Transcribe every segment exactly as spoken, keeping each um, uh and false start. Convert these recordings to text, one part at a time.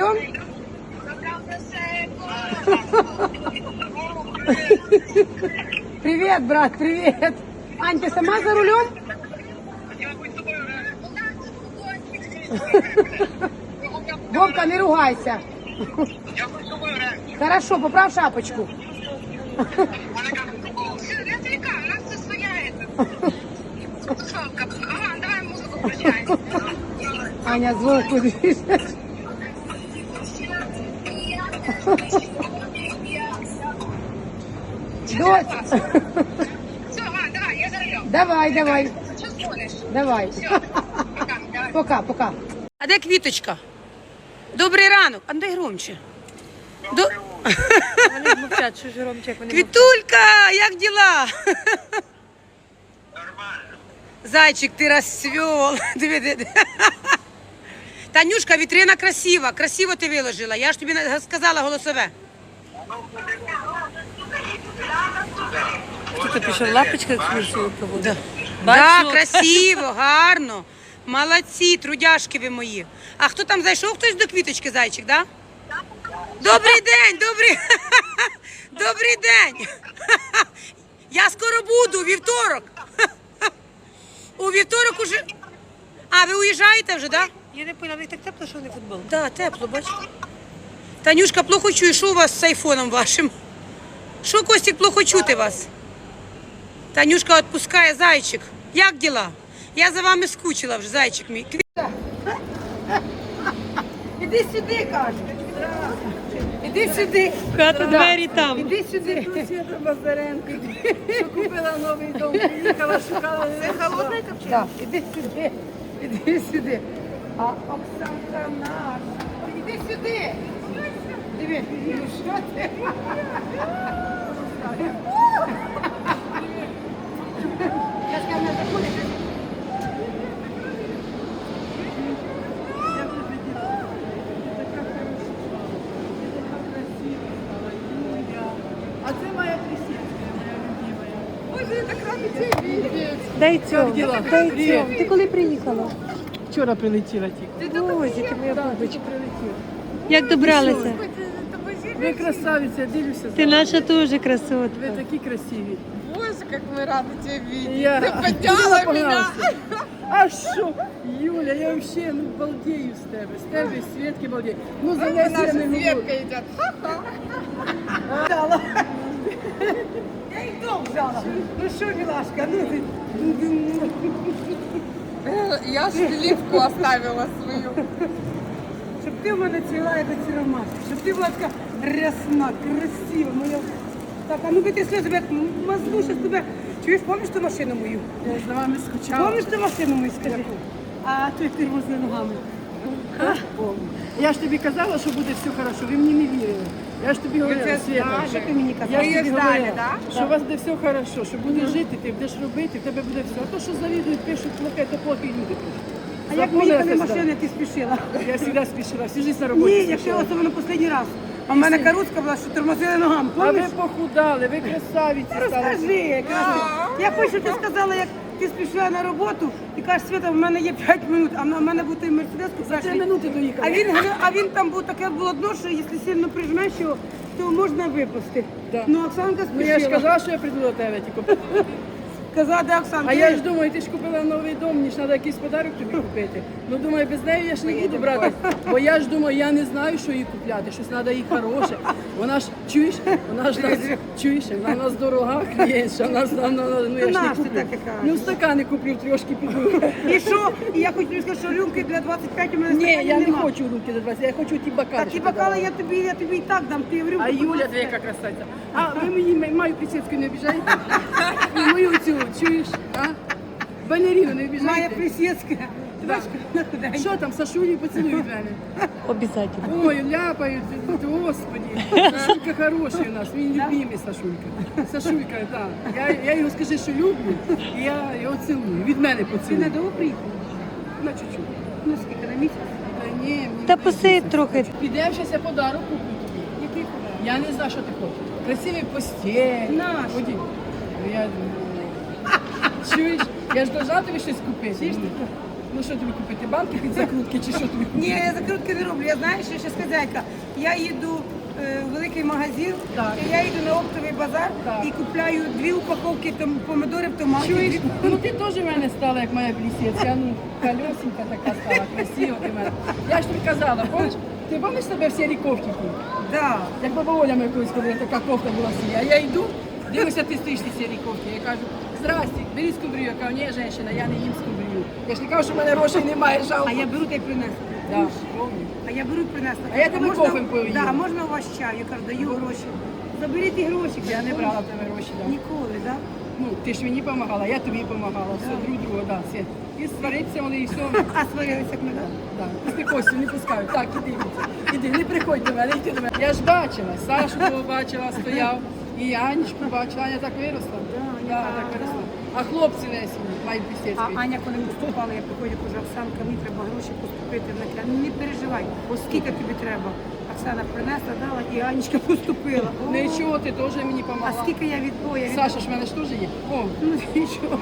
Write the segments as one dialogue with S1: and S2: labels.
S1: рулем? Привет, брат, привет. Ань, ты сама за рулем? Вовка, не ругайся. Хорошо, поправ шапочку. Аня, звук кудись. Дочь.
S2: Все, ладно, давай, я за рулем.
S1: Давай, давай.
S2: Что звонишь?
S1: Давай.
S2: Все, пока, давай.
S1: Пока, пока. А де квіточка? Добрий ранок. А дай громче. До...
S3: Вони мовчать, що ж Ромчик, вони
S1: Квітулька, як діла? Нормально. Зайчик, ти розцвел. Диви, диви. Танюшка, вітрина красива. Красиво ти виложила. Я ж тобі сказала голосове.
S3: Хто пішов лапочка екскурсію проводить?
S1: Да. Да, красиво, гарно. Молодці, трудяшки ви мої. А хто там зайшов? Хтось до квіточки, зайчик, да? Добрий день, добрий. Добрий день. Я скоро буду, у вівторок. У вівторок уже. А, ви уїжджаєте вже, да?
S3: Я не поняла, в них так тепло, що вони футбол.
S1: Да, тепло, бач. Танюшка, плохо чую, що у вас з айфоном вашим? Що, Костік, плохо чути вас? Танюшка відпускає, зайчик. Як діла? Я за вами скучила вже, зайчик мій. Іди сюди, каже. Іди сюди.
S3: Хата, двері там.
S1: Іди сюди.
S4: Света Базаренко, що купила новий дом, приїхала, шукала. Це холодний капчик?
S1: Так, іди сюди. Іди сюди. А Оксанка наша. Іди сюди. Диви, ну що ти? Я ж кажу, не заходить.
S4: А це моя присідка, моя любимая. Боже, так радиться видеть.
S3: Дай цьому,
S4: діла?
S3: дай
S4: Привіт.
S3: цьому. Ти коли приїхала?
S4: Вчора прилетіла тільки.
S3: Ой, ти моя
S4: Так,
S3: бабочка.
S4: тільки прилетіла.
S3: Як добралася?
S4: Ви красавиця, дивлюся.
S3: Ти наша теж
S4: Ви
S3: красотка.
S4: такі красиві.
S2: Боже, как мы рады тебя видеть.
S4: Я
S2: Ты подняла
S4: Куди
S2: меня.
S4: погнався? А що? Юля, я взагалі ну, балдею з тебе. З тебе і Свєтки балдею. Ну, за
S2: Ой,
S4: нас
S2: наша
S4: я не говорю.
S2: Светка идет.
S1: Я їх дом взяла. Ну що, милашка, ну ти.
S2: Э, Я шпилевку оставила свою.
S1: Щоб ти в мене ціла, як ці ромашки. Щоб ти була така рясна, красива, моя. Так, а ну-ка ти сльози, як мазну, щас тебе. Чуєш, пам'ятаєш ту машину мою?
S4: Я за вами скучала.
S1: Пам'ятаєш ту машину мою, скажи? А той тирмоз з ногами.
S4: Я ж тобі казала, що буде все хорошо, ви мені не вірили. Я ж тобі говорила,
S2: це
S4: Света.
S2: знали.
S1: Що ти мені казала?
S4: Я ж
S2: Ви
S4: тобі
S2: її ждали,
S4: говорила,
S2: да?
S4: що у вас буде все хорошо, що будеш жити, ти будеш робити, в тебе буде все. А то, що завідують, пишуть, плохе, то плохі люди пишуть.
S1: А як ми
S4: Запомнила
S1: їхали в
S4: це
S1: машини, ти спішила?
S4: Я завжди спішила, всю життя на роботі
S1: Ні, я ще
S4: спішила.
S1: особливо останній раз. А в мене каруцька була, що тормозили ногами,
S4: А ви
S1: пам'ятаєш?
S4: похудали, ви красавиці стали.
S1: Розкажи, красиво. Я хочу, щоб ти сказала, як ти спішила на роботу, ти кажеш, Свята, в мене є п'ять минут, а в мене був той мерседес,
S4: За три минути доїхали.
S1: а він, говорив- а він там був таке було дно, що якщо сильно прижмеш його, то можна випасти.
S4: Да.
S1: Ну, Оксанка
S4: Ну я ж
S1: спішила.
S4: казала, що я прийду до тебе тільки.
S1: Казала, де Оксанка?
S4: А я ж думаю, ти ж купила новий дом, мені ж треба якийсь подарок тобі купити. Ну думаю, без неї я ж не буду брати. Бо я ж думаю, я не знаю, що їй купляти, щось треба їй хороше. Вона ж, чуєш, вона ж нас, чуєш, вона в нас дорога клієнтша, вона ж нам, ну я ж
S1: Наш
S4: не
S1: ти
S4: куплю.
S1: так і кажеш.
S4: Ну стакани куплю, трошки піду.
S1: І що? І я хочу тобі сказати, що рюмки для двадцять п'ять у мене
S4: Ні,
S1: стаканів
S4: я не
S1: нема.
S4: хочу руки до двадцять, я хочу ті бокали.
S1: Та ті
S4: що ти
S1: бокали
S4: дала.
S1: я тобі, я тобі і так дам, ти в рюмку.
S4: А Юля, ти яка красавиця. А ви мені маю присідку не обіжаєте? І мою цю, чуєш? А? Балеріну не
S1: Моя
S4: обіжаєте?
S1: присідка.
S4: Да. Що там, Сашулі поцілуй від мене?
S3: Обязательно.
S4: Ой, ляпають, господи. Сашулька хороший у нас, він любимий Сашулька. Сашулька, так. Я, я його скажи, що люблю, і я його цілую. Від мене
S1: Ти
S4: поцілуй.
S1: надовго приїхала?
S4: На чуть-чуть.
S1: Ну скільки, на місяць?
S4: Та ні, мені
S3: Та
S4: не
S3: посидь
S4: місяць.
S3: трохи.
S4: Підемо, щас я подарок куплю тобі.
S1: Який подарунок?
S4: Я не знаю, що ти хочеш. Красивий постіль.
S1: Наш.
S4: Ході. Ну, я... Чуєш? Я ж должна тобі щось купити. Ну що тобі купити? Банки під закрутки чи що тобі купити?
S1: Ні, я закрутки не роблю. Я знаю, що ще хазяйка. Я їду е, в великий магазин,
S4: Так.
S1: і я їду на оптовий базар
S4: Так.
S1: і купляю дві упаковки там, помидорів, томатів.
S4: Чуєш?
S1: дві-
S4: Ну ти теж в мене стала, як моя плісецька, ну, колесенька така стала, красива ти в мене. Я ж тобі казала, помниш? Ти пам'ятаєш себе в сірій кофті?
S1: Да.
S4: Як баба Оля ми колись ходила, така кофта була сія. А я йду, дивлюся, ти стоїш в цій сірій кофті. Я кажу, здрасте, бери скумбрію. Я кажу, ні, жінка, я не їм скумбрію. Я ж не кажу, що в мене грошей немає, жалко.
S1: А я беру та й принесла.
S4: Да, помню.
S1: А я беру і принесла.
S4: А я тебе
S1: можна,
S4: кофем поїм.
S1: Да, можна у вас чай? Я кажу, даю гроші. Заберіть і гроші.
S4: Я
S1: кажу,
S4: не брала в тебе гроші, да.
S1: Ніколи, так? Да?
S4: Ну, ти ж мені допомагала, я тобі допомагала, все, друг друга, да, все. І сваритися вони, і все.
S1: А сварилися, як ми, так?
S4: Да. Після Костю не пускають. Так, іди, іди, не приходь до мене, йди до мене. Я ж бачила, Сашу того бачила, стояв, і Анечку бачила, Аня так виросла. Да, так виросла. А хлопці Лесі мають
S1: А
S4: пістецький.
S1: Аня, коли ми вступали, я приходжу, кажу, Оксанка, мені треба гроші поступити на кля. Ну не переживай, скільки тобі треба. Оксана принесла, дала і Анечка поступила. О,
S4: Нічого, ти теж мені
S1: а
S4: допомагала.
S1: скільки я відбоя?
S4: Саша ж в мене ж теж є. О,
S1: Ну нічого.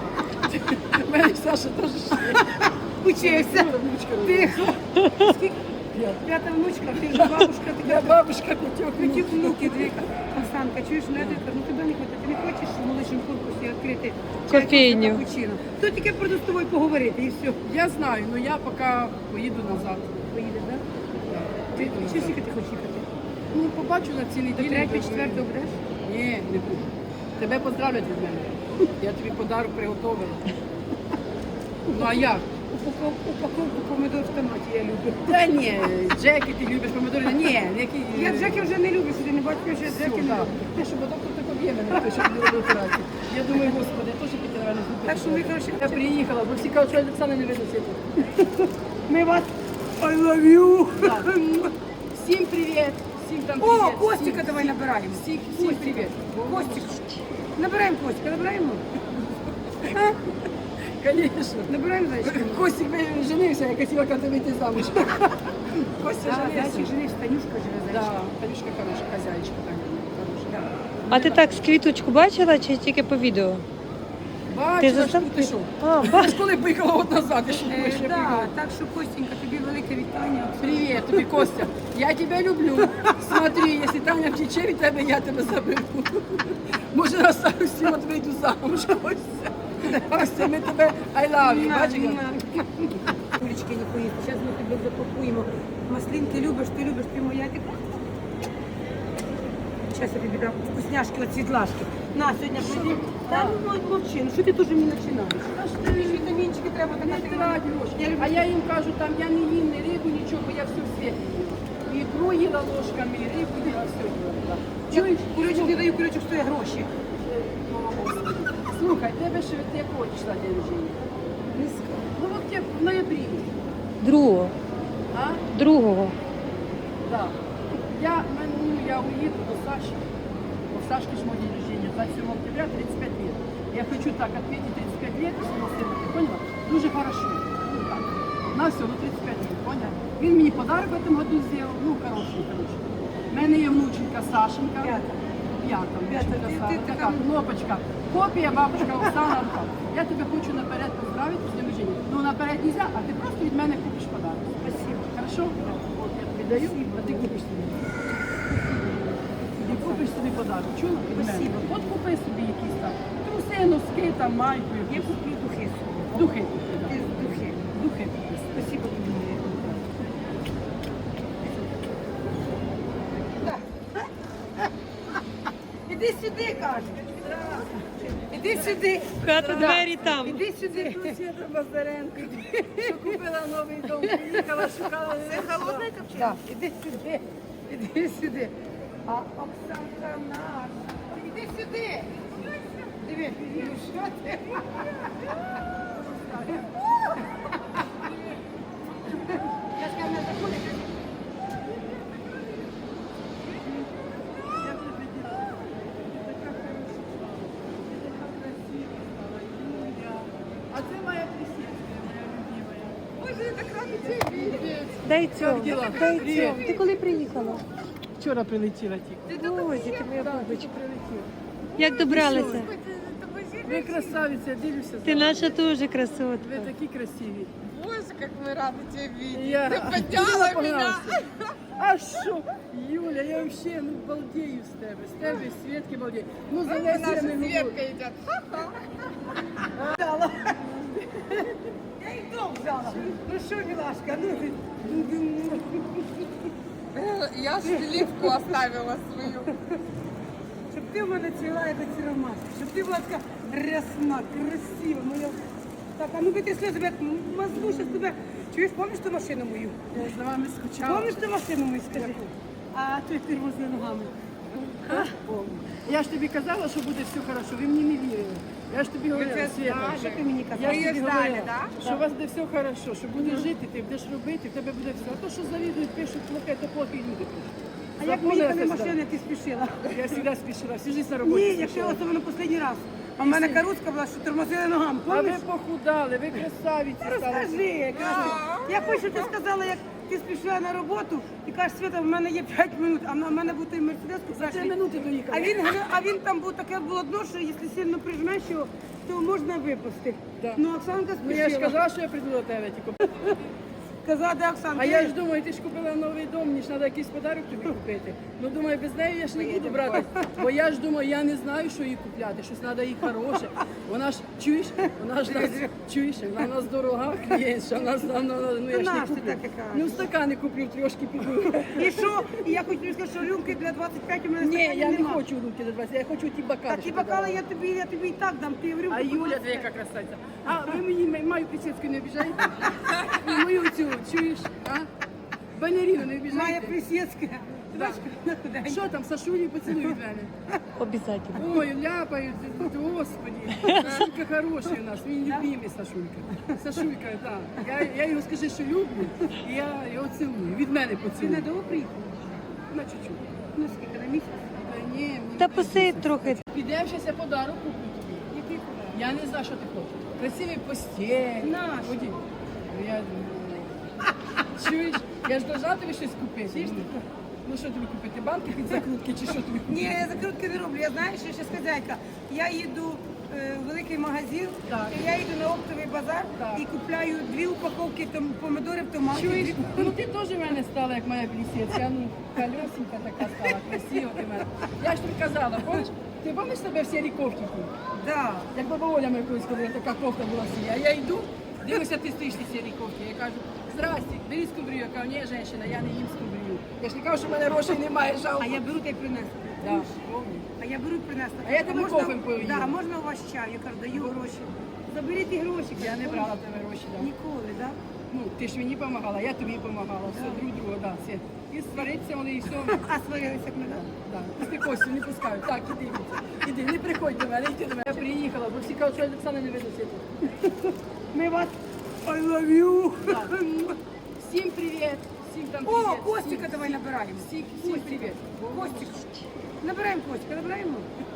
S4: в мене ж Саша теж ж є.
S1: Учився.
S4: Внучка родила.
S1: Тихо. Скільки?
S4: П'ята.
S1: П'ята внучка, ти вже бабушка, ти
S4: Я бабушка п'ятьох
S1: Хотів
S4: внуків.
S1: внуки дві. Оксанка, чуєш, ну я тобі кажу, ну тебе не хоче, ти не хочеш в молодшому корпусі відкрити
S3: Кофейню.
S1: капучино. То тільки просто з тобою поговорити і все.
S4: Я знаю, але я поки поїду назад.
S1: Поїдеш, так? Ти чи скільки ти хочеш їхати?
S4: Ну, побачу на цій
S1: До
S4: неділі.
S1: третього, четвертого будеш?
S4: Ні, не буду. Тебе поздравлять від мене. Я тобі подарок приготовила. Ну а як?
S1: Упаковку, упаковку помидор в томаті я люблю.
S4: Та ні, Джеки, ти любиш помидори? Ні, які...
S1: Я Джеки вже не люблю, що ти не бачиш, що я
S4: Все,
S1: Джеки не
S4: да.
S1: люблю.
S4: Те, що доктор так об'є мене, те, що мені робив операцію. Я думаю, господи, я теж піти, наверное, зуб.
S1: Так що ми, коротше,
S4: Я приїхала, бо всі кажуть, що Олександра не видно світу.
S1: ми вас I love you.
S4: Всім привіт, всім там
S1: О,
S4: привіт.
S1: Костіка
S4: всім,
S1: давай
S4: всім,
S1: набираємо.
S4: Всіх, всім привіт.
S1: Костік. Набираємо Костіка, набираємо?
S4: Конечно.
S1: Набираємо зайчика.
S4: Костік ви- женився, я хотіла коли вийти замуж. Костя
S1: Да,
S4: женився.
S1: зайчик женився, Танюшка живе
S4: Да,
S1: зайчик.
S4: Танюшка хороша, хазяйчка так. Хороша.
S3: А ти так з квіточку бачила чи тільки по відео?
S4: Бачила, що
S3: застав
S4: ти що?
S3: А,
S4: Я
S3: бач.
S4: ж коли поїхала от назад, я ж
S1: Е,
S4: думаю, що я
S1: да,
S4: поїхала.
S1: так що, Костенька, тобі велике вітання.
S4: Привіт, тобі Костя. Я тебе люблю. Смотри, якщо Таня втече від тебе, я тебе заберу. Може, на старості от вийду замуж, Костя. Костя, ми тебе I love you, бачиш? як?
S1: Кулечки не поїсти, зараз ми тебе запакуємо. Маслинки любиш, ти любиш, ти моя. Ти... Зараз я тобі дам вкусняшки від світлашки. На, сьогодні прийди. Та ну мовчи, ну що ти дуже не починаєш? Та ж ти ж вітамінчики треба,
S4: Не
S1: така ти
S4: трать гроші.
S1: Я люблю.
S4: А я їм кажу, там я не їм ні рибу, нічого, бо я все в світі їла. І ікру їла ложками, і рибу їла, все їла.
S1: Чуєш, курочок не даю, курочок стоїть гроші.
S4: Слухай, тебе ще від якого числа день рождения? Ну от я в ноябрі.
S3: Другого.
S4: А?
S3: Другого.
S4: Да. Я, мен- ну, я уеду до Саши. У Сашки ж мой день рождения, двадцать седьмого октября, тридцать пять лет. Я хочу так отметить тридцать пять лет, своего сына, ты поняла? Дуже хорошо. Ну так. На все, ну тридцать пять лет, поняла? Він мені подарок в этом году сделал, ну хороший, хороший. У мене є внученька Сашенька.
S1: П'ята.
S4: П'ята,
S1: П'ята.
S4: внученька
S1: Ти- ти
S4: Сашенька.
S1: така-
S4: Така кнопочка. Копія бабушка Оксана. Рука. Я тебе хочу наперед поздравити з днем рождения. Ну наперед нельзя, а ти просто від мене купиш подарок.
S1: Спасибо.
S4: Хорошо? От я тобі даю, а ти купиш собі. Ти купиш собі подарок. Чула? Від мене.
S1: Спасибо.
S4: От купи собі якісь там труси, носки, там, майку.
S1: Я
S4: якусь.
S1: куплю духи собі.
S4: Духи купи, да.
S1: Ти Духи.
S4: Духи купи.
S1: Спасибо тобі. моя. Іди сюди, кажу. Іди сюди.
S3: Хата, двері там.
S1: Іди сюди.
S4: Свята Базаренко, що купила новий дом, приїхала, шукала. Це холодна копчина?
S1: Так, іди сюди. Іди сюди. А Оксанка наша. Іди сюди. Диви, ну що ти? Я скажу, не заходить.
S4: А це моя Плесецька, моя любимая.
S1: Боже, я так рада тебе видеть.
S3: Дай цьому,
S4: діла?
S3: дай
S4: Привіт.
S3: цьому. Ти коли приїхала?
S4: Вчора прилетіла тільки.
S3: Ой, ти моя бабочка.
S4: Прилетіла.
S3: Як добралися?
S1: Тобі
S4: Ви красавиці, я дивлюся за
S3: Ти
S4: вами.
S3: наша теж
S4: Ви
S3: красотка.
S4: такі красиві.
S2: Боже, как мы рады тебя видеть.
S4: Я
S2: Ты подняла
S4: Юля
S2: меня.
S4: погнався. А що? Юля, я взагалі ну, балдею з тебе. З тебе, з Свєтки балдею. Ну, за
S2: Ой,
S4: Лесю я
S2: наша
S4: не говорю.
S2: Светка идет.
S1: Я їх дом взяла. Ну що, милашка, ну ти.
S2: Э, Я сливку оставила свою.
S1: Щоб ти в мене ціла, як оці ромашки. Щоб ти була така рясна, красива. Моя... Так, а ну витри сльози, як мазну щас тебе. Чуєш, пам'ятаєш ту машину мою?
S4: Я за вами скучала.
S1: Пам'ятаєш ту машину мою, скажи? А той тормозни ногами.
S4: Я ж тобі казала, що буде все хорошо, ви мені не вірили. Я ж тобі говорила,
S2: це
S4: Свєта,
S2: знали.
S1: Що ти мені
S4: я
S1: казала?
S4: ж
S2: її
S4: тобі
S2: ждали,
S4: говорила,
S2: да?
S4: що у вас буде все хорошо, що будеш жити, ти будеш робити, в тебе буде все. А то, що завідують, пишуть, плохе, то плохі люди пишуть.
S1: А як ми їхали машини, ти спішила?
S4: Я завжди спішила, всю життя на роботі
S1: Ні, якщо
S4: спішила.
S1: особливо останній раз. А в мене каруцька була, що тормозили ногами.
S4: А ви
S1: Пам'ятаєш?
S4: похудали, ви красавиці стали.
S1: Розкажи, кажи. Я хочу, щоб ти сказала, як ти спішила на роботу і кажеш, Свята, в мене є п'ять минут, а в мене був той мерседес.
S4: За три минути доїхали.
S1: А він, а він там був таке було дно, що якщо сильно прижмеш його, то можна випустити.
S4: Да.
S1: Ну, Оксанка
S4: Ну я ж
S1: спішила.
S4: казала, що я прийду до тебе тільки.
S1: Казала, де Оксанка?
S4: А я ж думаю, ти ж купила новий дом, мені ж треба якийсь подарок тобі купити. Ну думаю, без неї я ж не буду брати. Бо я ж думаю, я не знаю, що їй купляти. Щось треба їй хороше. Вона ж чуєш, вона ж нас чуєш, вона в нас дорога клієнтша, вона ж нам ну я ж не
S1: Наш ти
S4: куплю.
S1: так і кажеш.
S4: Ну стакани куплю, трьошки піду.
S1: І що? І я хочу тобі сказати, що рюмки для двадцять п'ять у мене
S4: Ні,
S1: стаканів
S4: я не
S1: нема.
S4: хочу руки до двадцять, я хочу ті бокали.
S1: Такі
S4: що
S1: бокали
S4: ти
S1: я тобі, я тобі і так дам, ти в рюмку.
S4: А Юля, ти яка красавиця. А ви мені маю присідку не обіжаєте? І мою цю, чуєш? А? Балерину не
S1: Має
S4: обіжаєте?
S1: присідська. Ти бачиш, куди?
S4: Що там, Сашулі поцілуй від мене?
S3: Обязательно.
S4: Ой, ляпають, господи. Сашулька хороший у нас, він любимий Сашулька. Сашулька, так. Я, я його скажи, що люблю, і я його цілую. Від мене
S1: Ти
S4: поцілуй.
S1: не довго приїхав?
S4: На чуть-чуть.
S1: Ну скільки, на місяць?
S4: Та ні, мені
S3: Та
S4: не
S3: посидь трохи.
S4: Підемо, зараз я подарок куплю тобі.
S1: Який подарунок?
S4: Я не знаю, що ти хочеш. Красивий постіль.
S1: Наш.
S4: Ході. Ну, Я... Чуєш? Я ж должна тобі щось купити. Ну, ну що тобі купити? Банки під закрутки чи що тобі купити?
S1: Ні, я закрутки не роблю. Я знаю, що ще хазяйка. Я їду е, в великий магазин,
S4: Так.
S1: і я їду на оптовий базар
S4: Так.
S1: і купляю дві упаковки там, помидорів, томатів.
S4: Чуєш?
S1: дві-
S4: Ну ти теж в мене стала, як моя плісецька, ну, колесенька така стала, красива ти в мене. Я ж тобі казала, помниш? Ти пам'ятаєш себе в сірій кофті?
S1: Да.
S4: Як баба Оля моя колись ходила, така кофта була сія. А я йду, дивлюся, ти стоїш в сірій кофті. Я кажу, здрасте, бери скумбрію. Я кажу, ні, жінка, я не їм скумбрію. Я ж не кажу, що в мене грошей немає, жалко.
S1: А я беру та й принесу.
S4: Да, помню.
S1: А я беру і принесу.
S4: А я тебе
S1: Можна-
S4: кофем поїм.
S1: Да, можна у вас чай? Я кажу, даю гроші. Заберіть і гроші.
S4: Я не брала в тебе гроші, да.
S1: Ніколи, так?
S4: Ну, ти ж мені допомагала, я тобі допомагала, все, друг друга, да, все. І свариться вони, і все.
S1: А сварилися як ми, так?
S4: Да. Після Костю не пускають. Так, іди, іди, не приходь до мене, йди до мене. Я приїхала, бо всі кажуть, що Олександра не видно світу.
S1: Ми вас I love you.
S4: Так. Всім привіт, всім там
S1: О,
S4: привіт.
S1: Костика
S4: Всім-
S1: давай набираємо.
S4: Всім, всім привіт.
S1: Костик. Набираємо Костика, набираємо.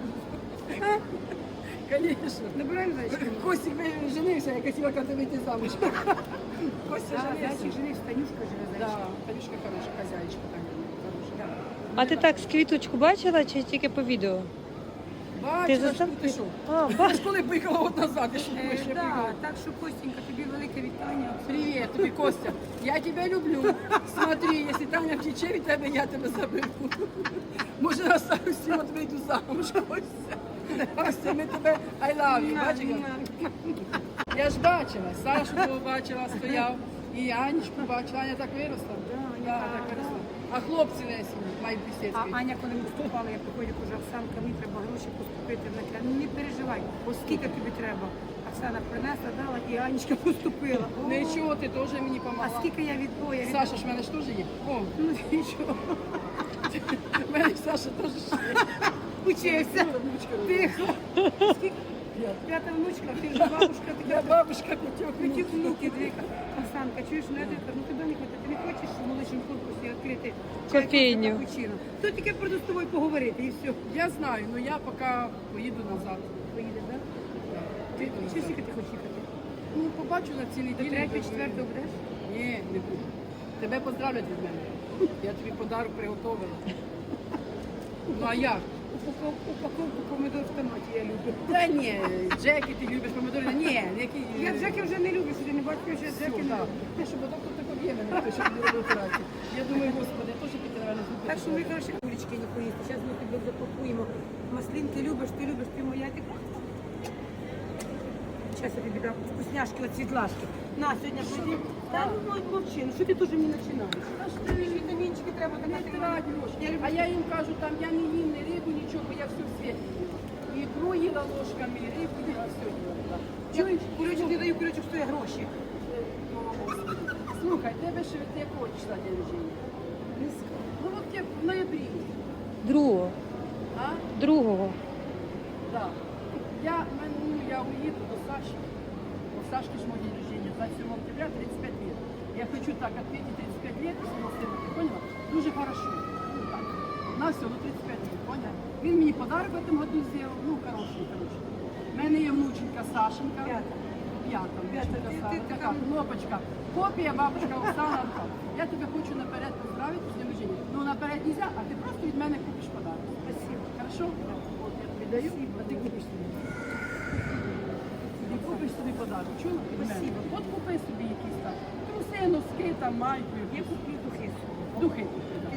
S4: Конечно.
S1: Набираємо зайчика.
S4: Костик ви- женився, я хотіла коли вийти замуж. Костя
S1: Да,
S4: женився.
S1: зайчик женився, Танюшка живе
S4: Да,
S1: зайчик.
S4: Танюшка хороша, хазяїчка Таня, хороша.
S3: А ти так з квіточку бачила чи тільки по відео?
S4: Бачила,
S3: застав-
S4: що ти що?
S3: А,
S4: Ти
S3: бач-
S4: ж коли поїхала от назад, ти що
S1: Е,
S4: думаєш, я
S1: да,
S4: приїхала?
S1: так що, Костенька, тобі велике вітання.
S4: Привет, тобі Костя. Я тебя люблю. Смотри, если Таня втече від тебе, я тебе заберу. Може, на старості от вийду замуж, Костя. Костя, ми тебе I love you. Бачиш? Я ж бачила, Сашу того бачила, стояв. І Анечку бачила. Аня так виросла. Да, так виросла. А хлопці не сім'ї, мають
S1: А
S4: бесідки.
S1: Аня, коли ми вступали, я приходжу, кажу, Оксанка, мені треба гроші поступити. Вона каже, ну не переживай, скільки тобі треба. Оксана принесла, дала, і Анечка поступила. О,
S4: Нічого, ти теж мені
S1: А
S4: помогла.
S1: скільки я відбоя?
S4: Саша ж в мене ж теж є. О,
S1: Ну нічого.
S4: в мене Саша теж є.
S1: Учився.
S4: Внучка.
S1: Тихо. Скільки?
S4: Я.
S1: П'ята внучка, ти вже бабушка, ти
S4: Я бабушка Петюк.
S1: Хотів внуки двіка. Оксанка, чуєш, ну я тобі кажу, ну тебе не хватить, ти не хочеш в молодшому корпусі відкрити чай,
S3: Кофейню.
S1: кофе, капучино? Тут тільки прийду з тобою поговорити і все.
S4: Я знаю, але я поки поїду назад.
S1: Поїдеш, так?
S4: Ти
S1: Чи скільки ти хочеш їхати?
S4: Ну, побачу на цій
S1: До
S4: неділі.
S1: третього, четвертого будеш?
S4: Ні, не буду. Тебе поздравлять від мене. Я тобі подарок приготовила. Ну а як?
S1: упаковку, упаковку помидор в томаті я люблю.
S4: Та ні, Джекі, ти любиш помидори? Ні, які...
S1: Я Джеки вже не люблю, що ти не бачиш, що я Джеки не
S4: так.
S1: люблю.
S4: Ти що, бо доктор так об'єме, хто що тобі робив операцію. Я думаю, господи, я теж піти, наверное, зробити.
S1: Так що ми, коротше, кулечки не поїсти. Зараз ми тебе запакуємо. Маслинки любиш, ти любиш, ти моя, ти... Зараз я тобі дам вкусняшки от світлашки. На, сьогодні прийди. Та ну мовчи, ну що ти теж не починаєш?
S4: Та ж
S1: Тобі ж
S4: ти
S1: вітамінчики треба,
S4: не
S1: така ти
S4: трать гроші.
S1: Я люблю.
S4: А я їм кажу, там я не їм ні рибу, нічого, бо я все в світі. І ікру їла ложками, і рибу їла, все їла.
S1: Чуєш, курочок не даю, курочок стоїть гроші.
S4: Слухай, тебе ще від якого числа день рождения? Ну от як в ноябрі.
S3: Другого.
S4: А?
S3: Другого.
S4: Да. Я, мен- ну, я уеду до Саши. У Сашки ж мой день рождения, двадцать седьмого октября, тридцать пять лет. Я хочу так отметить тридцать пять лет своего сына, ты поняла? Дуже хорошо. Ну так. На все, ну тридцать пять лет, поняла? Він мені подарок в этом году сделал, ну хороший, хороший. У мене є внученька Сашенька.
S1: П'ята.
S4: П'ята,
S1: П'ята.
S4: внученька
S1: Ти- ти
S4: Сашенька.
S1: така-
S4: Така кнопочка. Копія бабушка Оксана. Я тебе хочу наперед поздравити з днем рождения. Ну наперед нельзя, а ти просто від мене купиш подарок. Спасибо. Хорошо? От я тобі даю, а ти купиш собі. Ти купиш собі подарок. Чула? Від мене.
S1: Спасибо.
S4: От купи собі якісь там труси, носки, там майки.
S1: Я куплю духи.
S4: Духи купи, да.